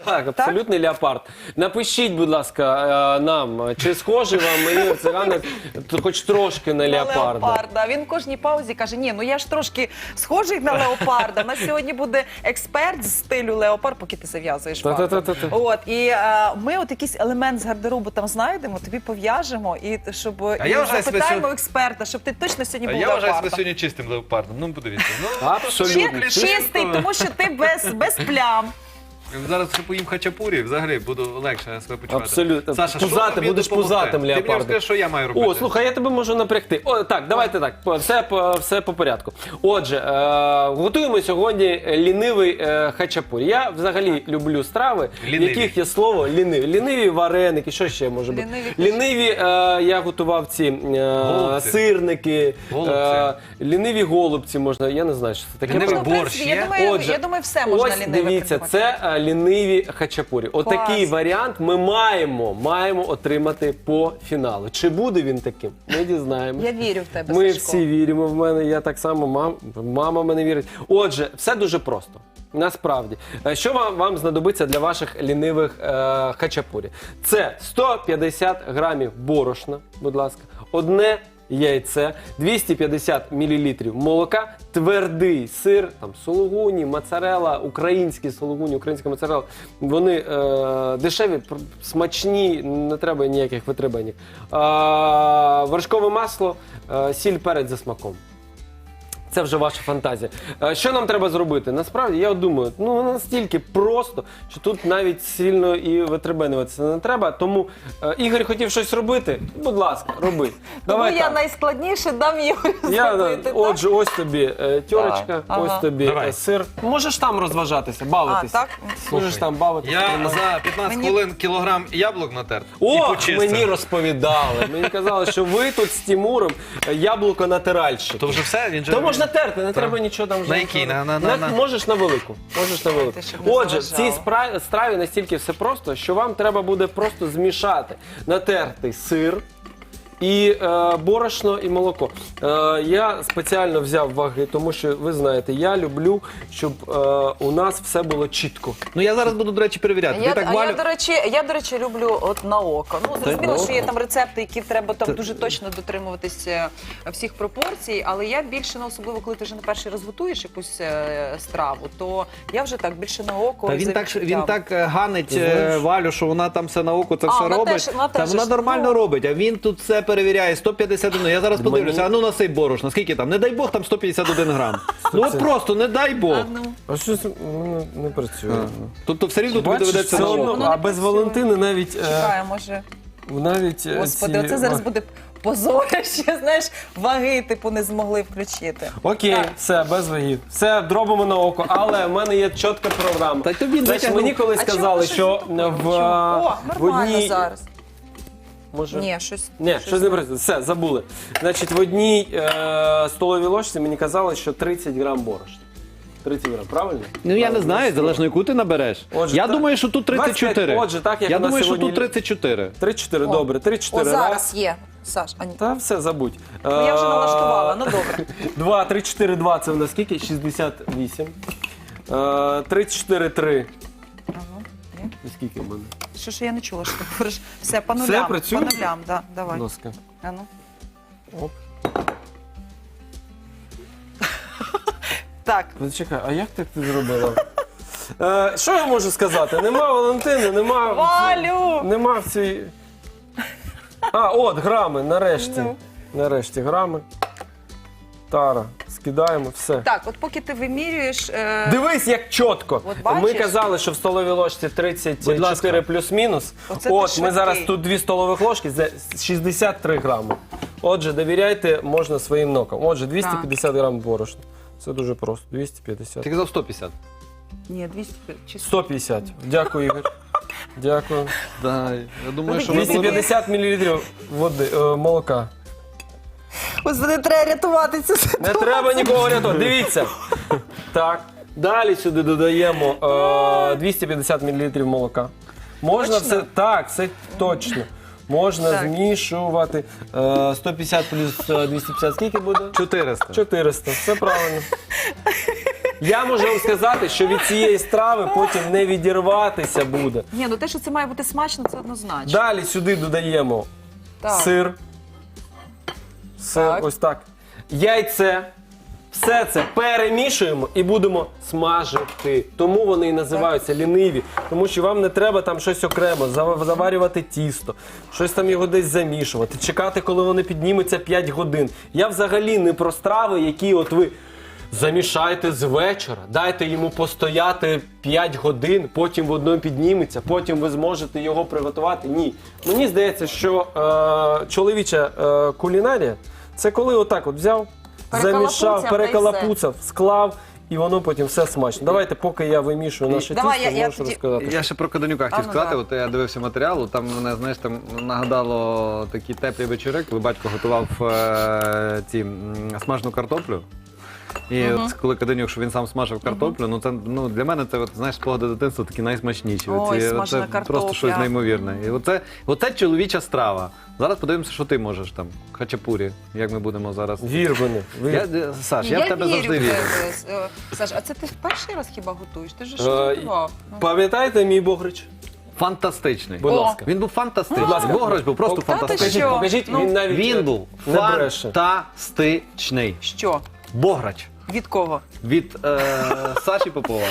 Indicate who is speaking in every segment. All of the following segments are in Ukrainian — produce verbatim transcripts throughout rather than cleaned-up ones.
Speaker 1: Так, абсолютний леопард. Напишіть, будь ласка, е, нам, чи схожий вам мені циганик хоч трошки на леопарда.
Speaker 2: Леопарда. Він в кожній паузі каже, ні, ну я ж трошки схожий на леопарда. У нас сьогодні буде експерт з стилю леопард, поки ти зав'язуєш вату.
Speaker 1: Та-та-та-та.
Speaker 2: От, і е, ми от якийсь елемент з гардеробу там знайдемо, тобі пов'яжемо, і щоб і
Speaker 3: я вважаю себе
Speaker 2: запитаємо
Speaker 3: сьогодні-
Speaker 2: експерта, щоб ти точно сьогодні був
Speaker 3: Я вважаю себе
Speaker 2: леопардом.
Speaker 3: сьогодні чистим леопардом. Ну, подивіться. Ну,
Speaker 1: Абсолютно.
Speaker 2: Чи- Чистий, тому що ти без, без плям.
Speaker 3: зараз, якщо поїм хачапурі, взагалі буду легше себе почувати.
Speaker 1: Абсолютно.
Speaker 3: Саша, що
Speaker 1: Пузати,
Speaker 3: тобі
Speaker 1: будеш
Speaker 3: допомогти?
Speaker 1: пузатим
Speaker 3: Ти мені
Speaker 1: леопардом.
Speaker 3: розкажи, що я маю робити.
Speaker 1: О, слухай, я тебе можу напрягти. О, так, давайте так, по- все, по- все по порядку. Отже, е, готуємо сьогодні лінивий е, хачапурі. Я взагалі люблю страви, в
Speaker 3: Ліниві.
Speaker 1: яких є слово ліниві. Ліниві вареники, що ще може бути?
Speaker 2: Ліниві
Speaker 1: Ліниві, е, я готував ці е,
Speaker 3: Голубці.
Speaker 1: сирники,
Speaker 3: Голубці.
Speaker 1: е, ліниві голубці можна, я не знаю, що це таке.
Speaker 3: Лінивий
Speaker 2: Ну, в принципі,
Speaker 3: борщ
Speaker 2: я
Speaker 3: є?
Speaker 2: думаю,
Speaker 1: Отже,
Speaker 2: я думаю, все можна
Speaker 1: ось
Speaker 2: ліниве
Speaker 1: дивіться,
Speaker 2: придумати.
Speaker 1: це е, ліниві хачапурі. Отакий
Speaker 2: Клас.
Speaker 1: варіант ми маємо, маємо отримати по фіналу. Чи буде він таким? Ми дізнаємося.
Speaker 2: Я вірю в тебе,
Speaker 1: Ми
Speaker 2: Сашко.
Speaker 1: всі віримо в мене, я так само, мам, мама в мене вірить. Отже, все дуже просто. Насправді, Е, що вам, вам знадобиться для ваших лінивих е, хачапурі? Це сто п'ятдесят грамів борошна, будь ласка, одне яйце, двісті п'ятдесят мілілітрів молока, твердий сир, там сулугуні, моцарелла, українські сулугуні, українська моцарелла. Вони е, дешеві, пр- смачні, не треба ніяких витребенів. Е, вершкове масло, е, сіль, перець за смаком. Це вже ваша фантазія. Е, Що нам треба зробити? Насправді, я от думаю, ну настільки просто, що тут навіть сильно і витребенюватися не треба. Тому е, Ігор хотів щось робити. Будь ласка, роби.
Speaker 2: Тому
Speaker 1: Давай
Speaker 2: я
Speaker 1: так.
Speaker 2: найскладніше дам Ігорю
Speaker 1: Я,
Speaker 2: зробити. так?
Speaker 1: отже, ось тобі е, тьорочка,
Speaker 2: Ага.
Speaker 1: ось тобі
Speaker 3: Давай.
Speaker 1: е, сир. Можеш там розважатися,
Speaker 2: А,
Speaker 1: бавитися.
Speaker 2: так?
Speaker 1: Можеш там бавитися.
Speaker 3: Я
Speaker 1: тримати.
Speaker 3: за п'ятнадцять
Speaker 2: Мені-
Speaker 3: хвилин кілограм яблук натер і
Speaker 1: О,
Speaker 3: почистив.
Speaker 1: мені розповідали. Мені казали, що ви тут з Тимуром е, яблуко натиральщик.
Speaker 3: То вже все? Він же...
Speaker 1: То можна терти, не треба нічого там вже.
Speaker 3: На який? На- на- на- на-
Speaker 1: Можеш на велику. Можеш на велику.
Speaker 2: Ти, щоб не
Speaker 1: Отже, в цій
Speaker 2: заважало.
Speaker 1: спра- страві настільки все просто, що вам треба буде просто змішати натертий сир і е, борошно і молоко. Е, я спеціально взяв ваги, тому що ви знаєте, я люблю, щоб е, у нас все було чітко.
Speaker 3: Ну я зараз буду, до речі, перевіряти.
Speaker 2: Я,
Speaker 3: Ти так
Speaker 2: а
Speaker 3: Валю...
Speaker 2: я, до речі, я, до речі, люблю от на око. Ну, зрозуміло,
Speaker 1: на
Speaker 2: що є
Speaker 1: око?
Speaker 2: там рецепти, які треба там
Speaker 1: Та-
Speaker 2: дуже точно дотримуватися всіх пропорцій, але я більше, ну, особливо, коли ти вже на перший раз готуєш якусь е, страву, то я вже так більше на око.
Speaker 3: Та
Speaker 2: і
Speaker 3: він
Speaker 2: за
Speaker 3: так, він
Speaker 2: відчуттям.
Speaker 3: так е, ганить
Speaker 1: Ти знаєш?
Speaker 3: е, Валю, що вона там все на око це
Speaker 2: А,
Speaker 3: все
Speaker 2: вона
Speaker 3: робить.
Speaker 2: теж- вона
Speaker 3: Та
Speaker 2: теж
Speaker 3: вона
Speaker 2: ж,
Speaker 3: нормально
Speaker 2: ну.
Speaker 3: робить, а він тут все перевіряє. сто п'ятдесят один. Я зараз
Speaker 1: Мені-
Speaker 3: подивлюся, а ну насип борошна. Скільки там? Не дай Бог, там сто п'ятдесят один грам. Ну от просто, не дай Бог.
Speaker 2: А, ну.
Speaker 1: А щось не, не працює.
Speaker 3: Тобто все рівно тобі
Speaker 1: Бачиш,
Speaker 3: доведеться
Speaker 1: все
Speaker 3: на
Speaker 1: одно,
Speaker 3: око.
Speaker 2: Воно не
Speaker 1: а без
Speaker 2: працює.
Speaker 1: Валентини навіть... е,
Speaker 2: Чекаю, може.
Speaker 1: навіть е,
Speaker 2: Господи,
Speaker 1: ці-
Speaker 2: оце зараз буде позорище, знаєш, ваги, типу, не змогли включити.
Speaker 1: Окей,
Speaker 2: Так.
Speaker 1: все, без вагів. Все, дробимо на око, але в мене є чітка програма.
Speaker 3: Та тобі
Speaker 1: Значить,
Speaker 3: затягнув.
Speaker 1: мені колись
Speaker 2: А чому
Speaker 1: сказали,
Speaker 2: ви
Speaker 1: що
Speaker 2: щось-
Speaker 1: в,
Speaker 2: Чому? О,
Speaker 1: в
Speaker 2: нормально
Speaker 1: одній...
Speaker 2: зараз.
Speaker 1: Може?
Speaker 2: Ні, щось.
Speaker 1: Ні, щось не працює. Все, забули. Значить, в одній е, столовій ложці мені казали, що тридцять грам борошна. тридцять грам, правильно?
Speaker 3: Ну я не
Speaker 1: Правильно.
Speaker 3: знаю, залежно яку ти набереш.
Speaker 1: Отже,
Speaker 3: Я
Speaker 1: так.
Speaker 3: думаю, що тут тридцять чотири.
Speaker 1: двадцять п'ять, отже, так, як
Speaker 3: Я
Speaker 1: у нас
Speaker 3: думаю, що
Speaker 1: сьогодні
Speaker 3: тут тридцять чотири.
Speaker 1: тридцять чотири,
Speaker 2: О.
Speaker 1: добре, тридцять
Speaker 2: О,
Speaker 1: чотири
Speaker 2: зараз
Speaker 1: раз.
Speaker 2: є. Саш, а ні.
Speaker 1: Та все, забудь.
Speaker 2: Ну, я вже налаштувала, ну добре.
Speaker 1: два, три, чотири, два, це в нас скільки? шістдесят вісім. Е, тридцять чотири, три. Скільки в мене?
Speaker 2: Що ж я не чула, що ти говориш? Все, по
Speaker 1: Все,
Speaker 2: нулям.
Speaker 1: працює?
Speaker 2: По нулям, да, давай.
Speaker 1: Будь ласка.
Speaker 2: А ну.
Speaker 1: Оп.
Speaker 2: Так,
Speaker 1: Чекай, а як так ти зробила? Е, що я можу сказати? Нема Валентини, нема...
Speaker 2: Валю!
Speaker 1: Нема в цій... А, от, грами, нарешті.
Speaker 2: Ну.
Speaker 1: Нарешті грами. Тара, скидаємо, все.
Speaker 2: так, от поки ти вимірюєш... Е...
Speaker 1: Дивись, як чітко.
Speaker 2: От бачиш?
Speaker 1: Ми казали, що в столовій ложці тридцять чотири
Speaker 3: Будь ласка.
Speaker 1: плюс-мінус.
Speaker 2: Оце ти
Speaker 1: От, ми
Speaker 2: швидкий.
Speaker 1: зараз тут дві столових ложки, це шістдесят три грами. Отже, довіряйте можна своїм нокам. Отже, двісті п'ятдесят грам борошна. Це дуже просто. двісті п'ятдесят.
Speaker 3: Ти казав сто п'ятдесят.
Speaker 2: Ні, двісті чи
Speaker 1: сто п'ятдесят. Дякую, Ігор. Дякую.
Speaker 3: Да, я думаю, що
Speaker 1: двісті п'ятдесят мілілітрів води, е, молока.
Speaker 2: Господи, треба рятувати цю
Speaker 1: Не
Speaker 2: ситуацію.
Speaker 1: треба нікого рятувати. Дивіться. Так. Далі сюди додаємо е, двісті п'ятдесят мілілітрів молока. Можна
Speaker 2: Точно?
Speaker 1: все. Так, це точно. Можна
Speaker 2: Так.
Speaker 1: змішувати. Е, сто п'ятдесят плюс е, двісті п'ятдесят скільки буде?
Speaker 3: чотириста.
Speaker 1: чотириста. Все правильно. Я можу вам сказати, що від цієї страви потім не відірватися буде.
Speaker 2: Ні, ну те, що це має бути смачно, це однозначно.
Speaker 1: Далі сюди додаємо
Speaker 2: Так.
Speaker 1: сир. Сир,
Speaker 2: Так.
Speaker 1: ось так. Яйце. Все це перемішуємо і будемо смажити. Тому вони і називаються ліниві. Тому що вам не треба там щось окремо, зав- заварювати тісто, щось там його десь замішувати, чекати, коли вони піднімуться п'ять годин. Я взагалі не про страви, які от ви замішайте з вечора, дайте йому постояти п'ять годин, потім воно підніметься, потім ви зможете його приготувати. Ні. Мені здається, що е, чоловіча е, кулінарія – це коли отак от взяв, замішав,
Speaker 2: Перекалапуцяв,
Speaker 1: перекалапуцав, склав, і воно потім все смачно. Давайте, поки я вимішую наше
Speaker 2: Давай,
Speaker 1: тісто,
Speaker 2: я- я
Speaker 1: можеш
Speaker 2: тоді-
Speaker 1: розказати.
Speaker 3: Я ще про Каденюка хотів
Speaker 2: А, ну,
Speaker 3: сказати,
Speaker 2: да.
Speaker 3: от я дивився матеріал, там мене, знаєш, там нагадало такі теплі вечори, коли батько готував е, ці м, смажену картоплю. І от коли Каденюк, що він сам смажив картоплю, ну це ну для мене це от, знаєш, спогади дитинства такі найсмачніші.
Speaker 2: Ой,
Speaker 3: Оці-
Speaker 2: смажена
Speaker 3: це
Speaker 2: картопля.
Speaker 3: просто щось неймовірне. І оце, оце чоловіча страва. Зараз подивимося, що ти можеш там, хачапурі, як ми будемо зараз.
Speaker 1: Вір мене. Вір.
Speaker 3: Я, е, Саш, я, в тебе
Speaker 2: вірю
Speaker 3: завжди
Speaker 2: в
Speaker 3: вірю.
Speaker 2: тебе. Е, Саш, а це ти в перший раз хіба готуєш? Ти ж
Speaker 1: Е,
Speaker 2: щось готував. Ну.
Speaker 1: Пам'ятаєте мій Богрич?
Speaker 3: Фантастичний.
Speaker 1: Будь
Speaker 2: О.
Speaker 1: ласка.
Speaker 3: Він був фантастичний.
Speaker 1: Будь ласка.
Speaker 3: Бограч був просто
Speaker 1: Та ти
Speaker 3: фантастичний.
Speaker 2: що?
Speaker 1: Покажіть,
Speaker 2: Ну,
Speaker 1: він навіть
Speaker 3: Він
Speaker 1: е,
Speaker 3: був
Speaker 1: не бреше.
Speaker 3: фантастичний.
Speaker 2: Що?
Speaker 3: Бограч.
Speaker 2: Від кого?
Speaker 3: Від е, Саші Попова.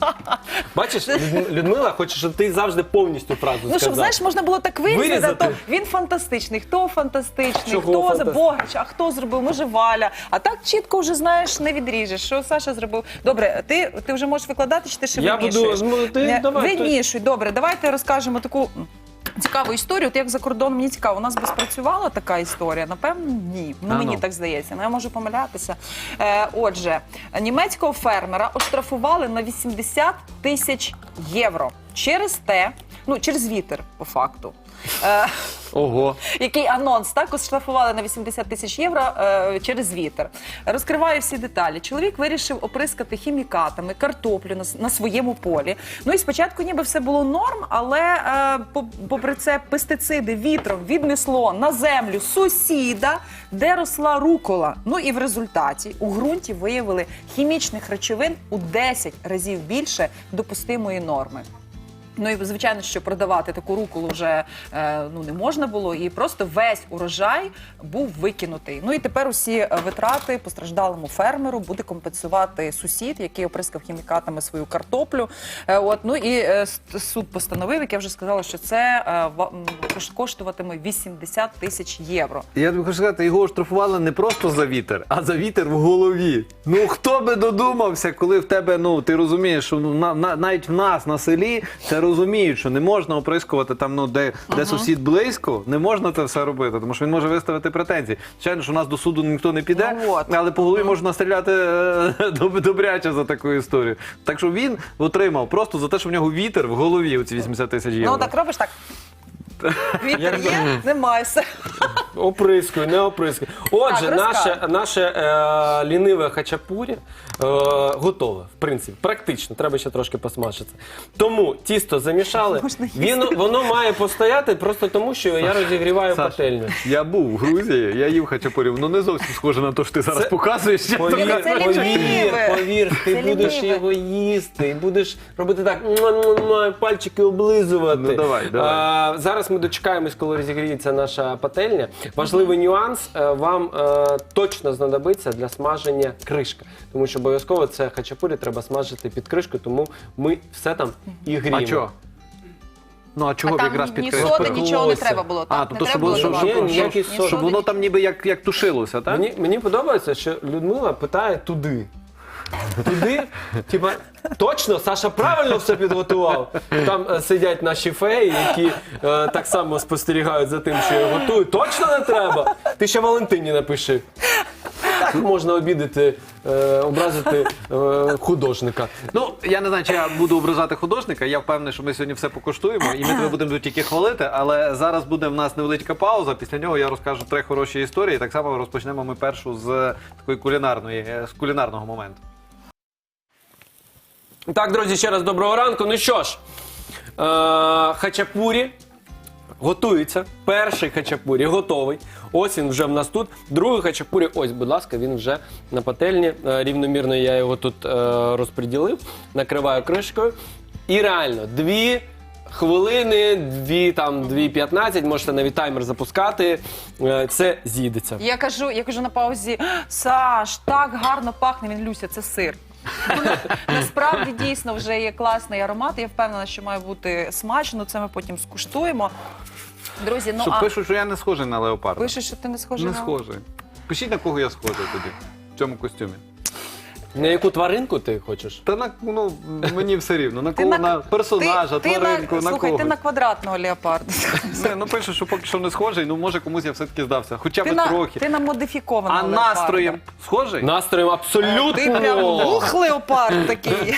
Speaker 1: Бачиш, Люд- Людмила хоче, щоб ти завжди повністю фразу
Speaker 2: Ну,
Speaker 1: сказав.
Speaker 2: щоб, знаєш, можна було так вирізати,
Speaker 1: Вирізати?
Speaker 2: то він фантастичний. Хто фантастичний,
Speaker 1: Чого
Speaker 2: хто за
Speaker 1: фантастичний?
Speaker 2: Бограч, а хто зробив, може Валя. А так чітко вже, знаєш, не відріжеш, що Саша зробив. Добре, ти, ти вже можеш викладати, чи ти ще
Speaker 1: Я
Speaker 2: вимішуєш?
Speaker 1: буду, ну, ти
Speaker 2: Не,
Speaker 1: давай. ти-
Speaker 2: Вимішуй, добре, давайте розкажемо таку цікаву історію. От як за кордоном, мені цікаво, у нас би спрацювала така історія? Напевно, ні. Ну,
Speaker 3: А,
Speaker 2: мені
Speaker 3: ну.
Speaker 2: так здається. Ну, я можу помилятися. Е, отже, німецького фермера оштрафували на вісімдесят тисяч євро через те, ну, через вітер, по факту. Е,
Speaker 3: Ого.
Speaker 2: який анонс, так, оштрафували на вісімдесят тисяч євро е, через вітер. Розкриваю всі деталі. Чоловік вирішив оприскати хімікатами картоплю на, с- на своєму полі. Ну і спочатку ніби все було норм, але е, по- попри це пестициди вітром віднесло на землю сусіда, де росла рукола. Ну і в результаті у ґрунті виявили хімічних речовин у десять разів більше допустимої норми. Ну і звичайно, що продавати таку руколу вже е, ну не можна було, і просто весь урожай був викинутий. Ну і тепер усі е, витрати постраждалому фермеру буде компенсувати сусід, який оприскав хімікатами свою картоплю. Е, от ну і е, с- суд постановив, як я вже сказала, що це е, ва- м, кош- коштуватиме вісімдесят тисяч євро.
Speaker 3: Я тобі хочу сказати, його оштрафували не просто за вітер, а за вітер в голові. Ну хто би додумався, коли в тебе, ну ти розумієш, що ну, на, на, навіть в нас на селі це розуміють, що не можна оприскувати там, ну де, де сусід близько, не можна це все робити, тому що він може виставити претензії. Звичайно, що у нас до суду ніхто не піде,
Speaker 2: Ну, от.
Speaker 3: але по голові можна стріляти е, доб- добряче за таку історію. Так що він отримав просто за те, що в нього вітер в голові, оці вісімдесят тисяч євро.
Speaker 2: Ну так робиш так. Вітер
Speaker 1: Як-
Speaker 2: є, немає все.
Speaker 1: Оприскую, не оприскую. Отже,
Speaker 2: Так,
Speaker 1: наше,
Speaker 2: розказуй.
Speaker 1: наше е, ліниве хачапурі е, готове, в принципі, практично. Треба ще трошки посмажити. Тому тісто замішали.
Speaker 2: Можна їсти.
Speaker 1: Він, воно має постояти просто тому, що я розігріваю
Speaker 3: Саш,
Speaker 1: пательню.
Speaker 3: я був в Грузії, я їв хачапурі, ну не зовсім схоже на те, що ти зараз
Speaker 1: Це-
Speaker 3: показуєш.
Speaker 1: Повір,
Speaker 2: Це
Speaker 1: повір,
Speaker 2: ліниве.
Speaker 1: повір, ти
Speaker 2: Це
Speaker 1: будеш
Speaker 2: ліниве.
Speaker 1: його їсти, і будеш робити так, муа-муа-муа, пальчики облизувати.
Speaker 3: Ну, давай, давай.
Speaker 1: А, зараз ми дочекаємось, коли розігріється наша пательня. Важливий нюанс, е, вам е, точно знадобиться для смаження кришка. Тому що обов'язково це хачапурі треба смажити під кришкою, тому ми все там і гріємо.
Speaker 3: А чого? Ну а чого
Speaker 2: А
Speaker 3: б
Speaker 2: там
Speaker 3: якраз
Speaker 2: ні
Speaker 3: підкрити?
Speaker 2: соди, нічого не
Speaker 1: Пеклося.
Speaker 2: треба було.
Speaker 3: А,
Speaker 2: Так,
Speaker 3: тобто,
Speaker 2: не
Speaker 3: щоб
Speaker 2: треба було
Speaker 3: було,
Speaker 1: щоб-
Speaker 2: давати.
Speaker 1: щоб- ніяких
Speaker 2: Ні
Speaker 1: сод.
Speaker 3: Щоб
Speaker 2: соди,
Speaker 3: воно там ніби як, як тушилося, так?
Speaker 1: Мені, мені подобається, що Людмила питає туди. Туди, типа, точно, Саша правильно все підготував. Там е, сидять наші феї, які е, так само спостерігають за тим, що я готую. Точно не треба? Ти ще Валентині напиши. Так можна обідати, е, образити е, художника.
Speaker 3: Ну, я не знаю, чи я буду ображати художника. Я впевнений, що ми сьогодні все покуштуємо, і ми тебе будемо тут тільки хвалити. Але зараз буде в нас невеличка пауза. Після нього я розкажу три хороші історії. Так само розпочнемо ми першу з такої кулінарної, е, з кулінарного моменту.
Speaker 1: Так, друзі, ще раз доброго ранку. Ну що ж, е, хачапурі Готується. Перший хачапурі готовий. Ось він вже в нас тут. Другий хачапурі, ось, будь ласка, він вже на пательні. Е, Рівномірно я його тут е, розподілив. Накриваю кришкою. І реально, дві хвилини, дві там, дві п'ятнадцять, можете навіть таймер запускати. Е, Це з'їдеться.
Speaker 2: Я кажу, я кажу на паузі: Саш, так гарно пахне. Він: Люся, це сир. Ну, на- Насправді дійсно вже є класний аромат. Я впевнена, що має бути смачно. Це ми потім скуштуємо. Друзі, ну
Speaker 3: Що
Speaker 2: а
Speaker 3: пишуть, що я не схожий на леопарда.
Speaker 2: пишеш, що ти не схожий
Speaker 3: Не
Speaker 2: на...
Speaker 3: схожий. Пишіть, на кого я схожий тоді, в цьому костюмі.
Speaker 1: На яку тваринку ти хочеш?
Speaker 3: Та на, ну, мені все рівно. На
Speaker 2: Ти
Speaker 3: кого? На,
Speaker 2: на-
Speaker 3: персонажа,
Speaker 2: ти, ти
Speaker 3: тваринку,
Speaker 2: на,
Speaker 3: на
Speaker 2: слухай,
Speaker 3: когось.
Speaker 2: ти на квадратного леопарда.
Speaker 3: Не, ну пишуть, що поки що не схожий, ну може комусь я все-таки здався. Хоча
Speaker 2: Ти
Speaker 3: б
Speaker 2: на,
Speaker 3: трохи.
Speaker 2: ти на модифікованого
Speaker 3: А
Speaker 2: леопарда.
Speaker 3: настроєм схожий?
Speaker 1: Настроєм абсолютно.
Speaker 2: Ти прям ух, леопард такий.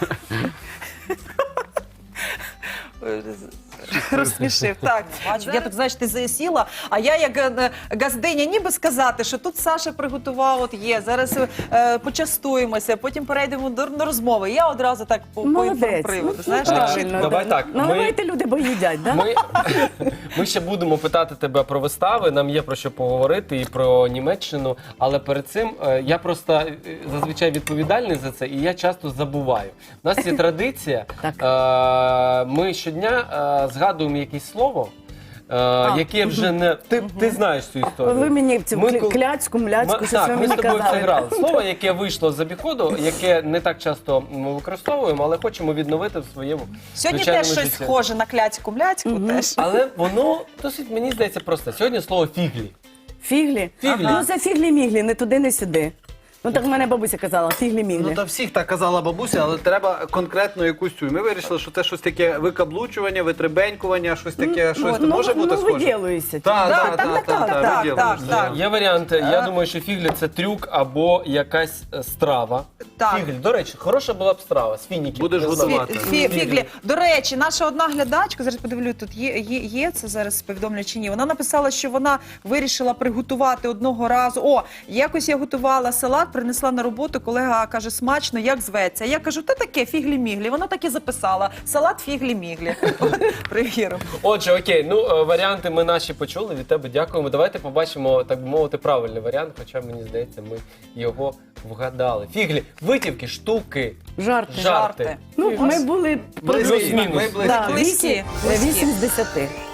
Speaker 2: Розсмішив. Так, бачу, я тут, знаєш, ти засіла, а я як е, газдиня ніби сказати, що тут Саша приготував, от є, зараз е, почастуємося, потім перейдемо до, до розмови. Я одразу так по, по
Speaker 4: Молодець.
Speaker 2: приводу.
Speaker 4: Ну,
Speaker 2: Знаєш,
Speaker 4: ну,
Speaker 2: так
Speaker 4: правильно,
Speaker 2: чітко.
Speaker 1: Давай
Speaker 4: да.
Speaker 1: так, ми-
Speaker 4: Наливайте, люди, бо їдять, да?
Speaker 1: Ми, ми ще будемо питати тебе про вистави, нам є про що поговорити і про Німеччину, але перед цим е, я просто е, зазвичай відповідальний за це, і я часто забуваю. У нас є традиція, е, ми щодня е, згадуємо якесь слово, е, яке вже не... Ти, ти знаєш цю історію.
Speaker 4: Ви мені цю
Speaker 1: Ми
Speaker 4: кля-
Speaker 1: кол-
Speaker 4: кляцьку, мляцьку,
Speaker 1: Ми-
Speaker 4: щось
Speaker 1: так,
Speaker 4: ви
Speaker 1: ми з
Speaker 4: мені
Speaker 1: тобою це
Speaker 4: казали.
Speaker 1: грали. Слово, яке вийшло з обіходу, яке не так часто ми використовуємо, але хочемо відновити в своєму
Speaker 2: Сьогодні
Speaker 1: звичайному
Speaker 2: теж щось
Speaker 1: житті.
Speaker 2: схоже на кляцьку-мляцьку. Теж.
Speaker 1: Але воно досить, мені здається, просто. Сьогодні слово фіглі.
Speaker 4: Фіглі?
Speaker 1: Фіглі.
Speaker 4: Ну, це фіглі-міглі, не туди, не сюди. Ну, так в мене бабуся казала, фіглі-міглі.
Speaker 3: Ну та всіх так казала бабуся, але треба конкретно якусь цю. І ми вирішили, що це щось таке викаблучування, витребенькування, щось таке, щось
Speaker 4: ну,
Speaker 3: може бути
Speaker 4: ну,
Speaker 3: схоже.
Speaker 4: виділуєшся.
Speaker 3: Так,
Speaker 2: Да,
Speaker 3: так,
Speaker 2: так,
Speaker 3: так,
Speaker 2: так,
Speaker 3: так,
Speaker 2: так,
Speaker 3: виділуєшся.
Speaker 2: так, так.
Speaker 1: Є варіанти. Я думаю, що фіглі це трюк або якась е, страва.
Speaker 2: Так.
Speaker 1: Фіглі, до речі, хороша була б страва з фініків.
Speaker 3: Будеш
Speaker 1: Не
Speaker 3: готувати.
Speaker 1: знаю.
Speaker 2: Фі, фіглі. До речі, наша одна глядачка, зараз подивлю, тут є, є, є це зараз повідомлю чи ні. Вона написала, що вона вирішила приготувати одного разу. О, якось я готувала салат, принесла на роботу, колега каже, смачно, як зветься. Я кажу, та таке, фіглі-міглі. Вона так і записала. Салат фіглі-міглі. Перевіримо.
Speaker 1: Отже, окей, ну е, варіанти ми наші почули. Від тебе дякуємо. Давайте побачимо, так би мовити, правильний варіант, хоча мені здається, ми його вгадали. Фіглі, витівки, штуки,
Speaker 4: Жарти.
Speaker 1: жарти.
Speaker 2: Жарти.
Speaker 4: Ну, ми були
Speaker 3: Близькі,
Speaker 1: Плюс-мінус.
Speaker 3: ми близькі.
Speaker 4: да,
Speaker 2: Близькі,
Speaker 4: вісім,
Speaker 2: близькі.
Speaker 4: вісім з десяти.